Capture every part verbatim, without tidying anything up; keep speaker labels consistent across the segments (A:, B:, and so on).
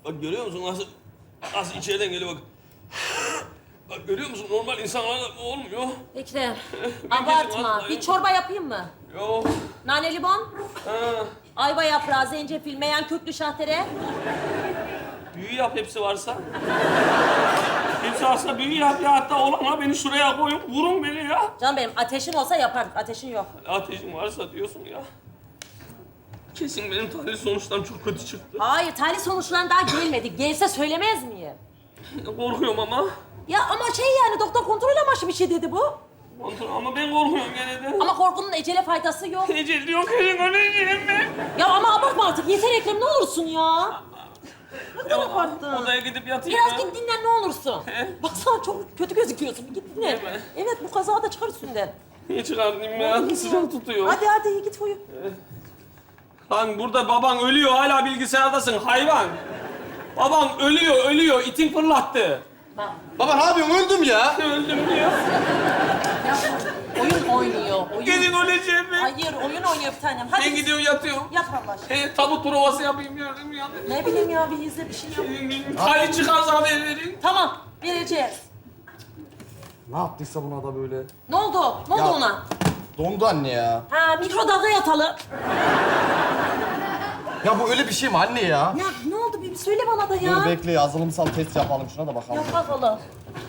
A: Bak görüyor musun nasıl nasıl içeriden geliyor bak. Bak görüyor musun normal insanlarda bu olmuyor.
B: Ekrem,
A: Ben
B: abartma.
A: kesin
B: Bir çorba yapayım mı?
A: Yok.
B: Nane limon,
A: Ha.
B: ayva yaprağı, zencefil, meyan köklü şahtere.
A: Büyü yap hepsi varsa. Hepsi varsa büyü yap ya. Hatta olana beni şuraya koyun. Vurun beni ya.
B: Canım benim ateşin olsa yapardık. Ateşin yok.
A: Ateşin varsa diyorsun ya. Kesin benim tahlil sonuçlarım çok kötü çıktı.
B: Hayır, tahlil sonuçları daha gelmedi. Gelse söylemez miyim?
A: Korkuyorum ama.
B: Ya ama şey yani doktor kontrol amaçlı bir şey dedi bu.
A: Kontrol ama ben korkuyorum gene de.
B: Ama korkunun ecele faydası yok.
A: Ecel diyor kesin öleceğim ben.
B: Ya ama abartma artık. Yeter Ekrem, ne olursun ya. Ne kadar abarttın.
A: Odaya gidip yatayım
B: Biraz
A: ya.
B: git dinlen ne olursun. Baksana çok kötü gözüküyorsun. Git dinlen.
A: Değil mi?
B: Evet, bu kaza da çıkar üstünden.
A: Niye çıkartayım ya? Sıcak tutuyor.
B: Hadi hadi git uyu.
A: Lan burada baban ölüyor hala bilgisayardasın hayvan. Baban ölüyor ölüyor itin fırlattı.
B: Bak,
C: Baba ne yapıyorsun? Öldüm ya.
A: Öldüm diyor.
B: oyun oynuyor. Oyun.
A: Kesin öleceğim ben.
B: Hayır, oyun oynuyor bir tanem. Hadi
A: Ben gidiyorum yatıyorum.
B: yat Allah aşkına.
A: He, tabut provası yapayım gördüm ya.
B: Ne bileyim ya, bir izle bir şey yap.
A: Hali çıkarsa haber verin.
B: Tamam, vereceğiz.
C: Ne yaptıysa buna da böyle.
B: Ne oldu? Ne oldu
C: Ya-
B: ona?
C: Dondu anne ya.
B: Ha, mikrodalga yatalım.
C: Ya bu öyle bir şey mi anne ya?
B: Ne, ne oldu? Bir söyle bana da ya.
C: Dur bekle yazılımsal test yapalım şuna da bakalım.
B: Yap bakalım.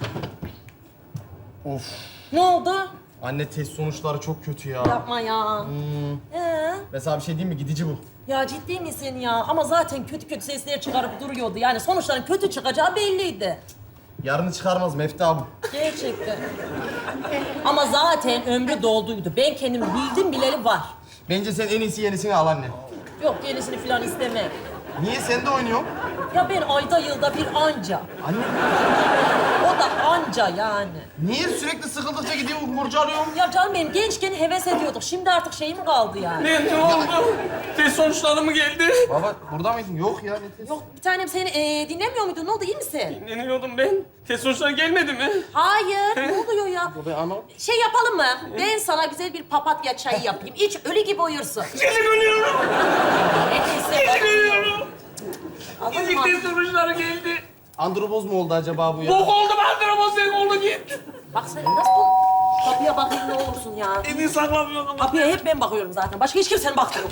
C: Of.
B: Ne oldu?
C: Anne test sonuçları çok kötü ya.
B: Yapma ya.
C: Hmm.
B: Ee?
C: Mesela bir şey diyeyim mi? Gidici bu.
B: Ya ciddi misin ya? Ama zaten kötü kötü sesler çıkarıp duruyordu. Yani sonuçların kötü çıkacağı belliydi.
C: Yarını çıkarmaz Mefta bu.
B: Gerçekten. Ama zaten ömrü dolduydu. Ben kendim bildim bileli var.
C: Bence sen en iyisi yenisini al anne.
B: Yok, yenisini falan istemem.
C: Niye sen de oynuyorsun?
B: Ya ben ayda yılda bir anca.
C: Anne
B: O da anca yani.
C: niye sürekli sıkıldıkça gidiyorsun kurcalıyorsun?
B: Ya canım benim gençken heves ediyorduk. Şimdi artık şey mi kaldı yani?
A: Ne, ne oldu? Test sonuçları mı geldi?
C: Baba burada mıydın? Yok ya ne test?
B: Yok bir tanem seni e, dinlemiyor muydun? Ne oldu, iyi misin?
A: Dinleniyordum ben. Test sonuçları gelmedi mi?
B: Hayır, ne oluyor ya?
C: Ben ama...
B: Şey yapalım mı? Ben sana güzel bir papatya çayı yapayım. İç, ölü gibi uyursun.
A: Kesin ölüyorum.
B: Neyse.
A: Kesin ölüyorum.
B: Alın
A: İlk
B: mı?
A: test sonuçları geldi.
C: Andropoz mu oldu acaba bu ya?
A: Bok oldu ben ama sen oldu git.
B: Bak sen nasıl bu? Kapıya bakayım ne olursun ya.
A: Evi saklamıyorum ama.
B: Kapıya hep ben bakıyorum zaten. Başka hiç kimsenin bakmıyor.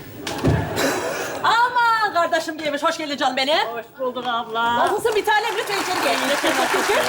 B: Aman kardeşim gelmiş. Hoş geldin canım benim.
D: Hoş bulduk abla.
B: Nasılsın bir tanem? Lütfen içeri gel. Lütfen, lütfen.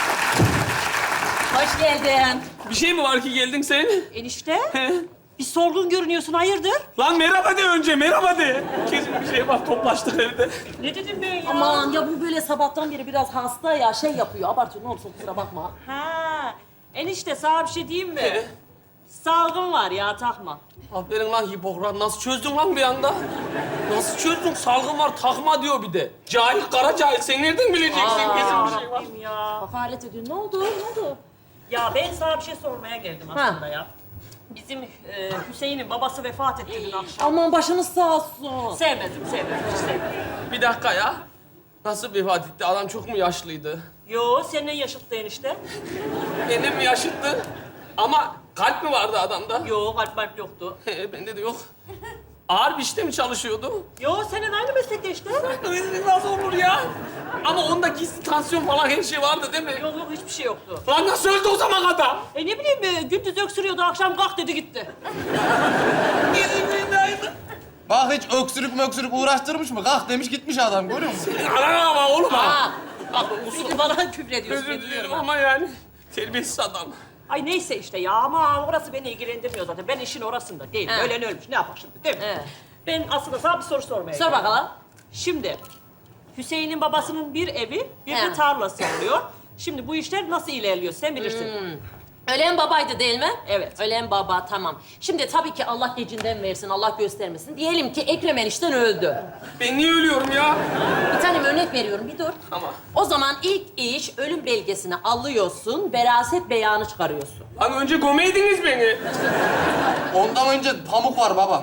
B: Hoş geldin.
A: Bir şey mi var ki geldin sen?
D: Enişte,
A: He?
D: bir sorgun görünüyorsun, hayırdır?
A: Lan merhaba de önce, merhaba de. Kesin bir şey var, toplaştık evde.
D: Ne dedim ben ya?
B: Aman ya bu böyle sabahtan beri biraz hasta ya. Şey yapıyor. Abartıyor. Ne olursa kusura bakma.
D: Ha, enişte sana bir şey diyeyim mi?
A: He?
D: Salgın var ya, takma.
A: Aferin lan Hipokrat, nasıl çözdün lan bir anda? Nasıl çözdün? Salgın var, takma diyor bir de. Cahil, kara cahil. Sen nereden bileceksin?
B: Aa.
A: Kesin bir şey var.
D: Rabbim ya.
B: Hakaret ediyor. Ne oldu? Ne oldu?
D: Ya ben sana bir şey sormaya geldim
B: Ha.
D: aslında ya. Bizim e, Hüseyin'in babası vefat etti dün akşam.
B: Aman başınız sağ olsun.
D: Sevmedim, sevmedim, hiç sevmedim.
A: Bir dakika ya. Nasıl vefat etti? Adam çok mu yaşlıydı?
D: Yo, seninle yaşıttı enişte.
A: Benim mi yaşıttı? Ama kalp mi vardı adamda?
D: Yo, kalp malp yoktu.
A: He, bende de yok. Ağır bir işte mi çalışıyordu?
D: Yo, senin aynı meslekte işte.
A: Nasıl olur ya? Ama onda gizli tansiyon falan her şey vardı değil mi?
D: Yok yok, hiçbir şey yoktu.
A: Lan nasıl öldü o zaman adam?
D: E ne bileyim, e, gündüz öksürüyordu, akşam kalk dedi gitti.
C: Bak hiç öksürük möksürük uğraştırmış mı? Kalk demiş gitmiş adam görüyor musun?
A: Ana ama oğlum ha.
B: Ha. Bak sürekli bana küfür ediyorsun.
A: Özür dilerim
B: biliyorum.
A: ama yani. Terbiyesiz adam.
D: Ay neyse işte ya, ama orası beni ilgilendirmiyor zaten. Ben işin orasında değilim.
B: He.
D: Ölen ölmüş, ne yapar şimdi değil mi?
B: He.
D: Ben aslında sana bir soru sormaya
B: Sor
D: geldim.
B: bakalım.
D: Şimdi, Hüseyin'in babasının bir evi, bir
B: He.
D: de tarlası oluyor. Şimdi bu işler nasıl ilerliyor sen bilirsin.
B: Ölen babaydı değil mi?
D: Evet.
B: Ölen baba, tamam. Şimdi tabii ki Allah gecinden versin, Allah göstermesin. Diyelim ki Ekrem enişten öldü.
A: Ben niye ölüyorum ya?
B: Bir tane örnek veriyorum, bir dur.
A: Tamam.
B: O zaman ilk iş ölüm belgesini alıyorsun, veraset beyanı çıkarıyorsun.
A: Lan önce gömeydiniz beni.
C: Ondan önce pamuk var baba.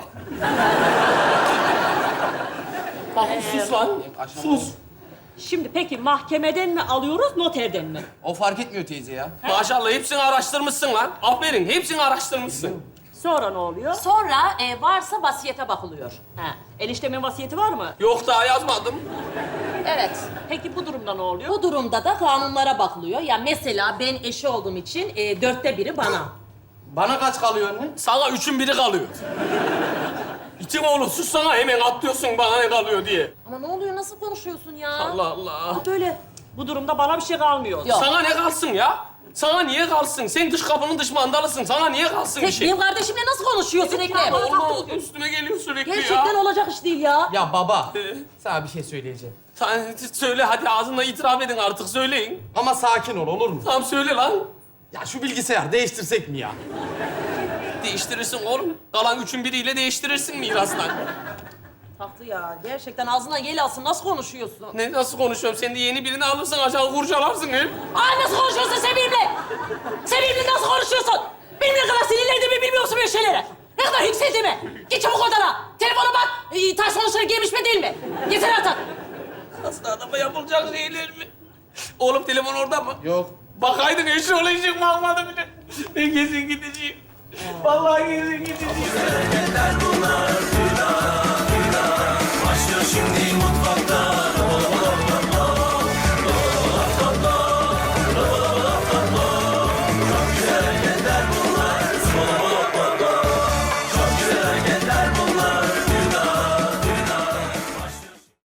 A: Bak sus lan. Sus.
D: Şimdi peki mahkemeden mi alıyoruz, noterden mi?
C: O fark etmiyor teyze ya.
A: Maşallah hepsini araştırmışsın lan. Aferin hepsini araştırmışsın.
D: Sonra ne oluyor?
B: Sonra e, varsa vasiyete bakılıyor.
D: He. Eniştemin vasiyeti var mı?
A: Yok daha yazmadım.
B: Evet.
D: Peki bu durumda ne oluyor?
B: Bu durumda da kanunlara bakılıyor. Ya mesela ben eşi olduğum için e, dörtte biri bana.
C: Bana kaç kalıyor anne?
A: Sana üçün biri kalıyor. İçim oğlum sus sana hemen atlıyorsun bana ne kalıyor diye.
B: Ama ne oluyor? Nasıl konuşuyorsun ya?
A: Allah Allah.
B: Böyle.
D: Bu durumda bana bir şey kalmıyor.
B: Yok.
A: Sana ne kalsın ya? Sana niye kalsın? Sen dış kapının dış mandalısın. Sana niye kalsın bir
B: Tek
A: şey?
B: benim kardeşimle nasıl konuşuyorsun
D: Evet,
B: Ekrem?
D: ya,
A: Olma üstüme geliyor sürekli
B: Gerçekten
A: ya.
B: olacak iş değil ya.
C: Ya baba,
A: Ee?
C: sana bir şey söyleyeceğim.
A: Sen söyle hadi ağzınla itiraf edin artık söyleyin.
C: Ama sakin ol, olur mu?
A: Tamam söyle lan.
C: Ya şu bilgisayar değiştirsek mi ya?
A: Değiştirirsin oğlum. Kalan üçün biriyle değiştirirsin mirastan.
B: Taktı ya. Gerçekten ağzına gel alsın. Nasıl konuşuyorsun?
A: Ne nasıl konuşuyorum? Sen de yeni birini alırsın aşağı kurcalarsın hep.
B: Aa nasıl konuşuyorsun Sevim'le? Sevim'le nasıl konuşuyorsun? Benim ne kadar sinirlendiğimi bilmiyor musun böyle şeylere? Ne kadar yükseldiğimi? Git çabuk odana. Telefona bak. Ee, taş sonuçları gelmiş mi değil mi? Getir artık.
A: Hasta adama yapılacak şeyler mi? Oğlum telefon orada mı?
C: Yok.
A: Bakaydın eşi olacak bakmadı bile. Ben kesin gideceğim. Vallahi kesin gideceğim.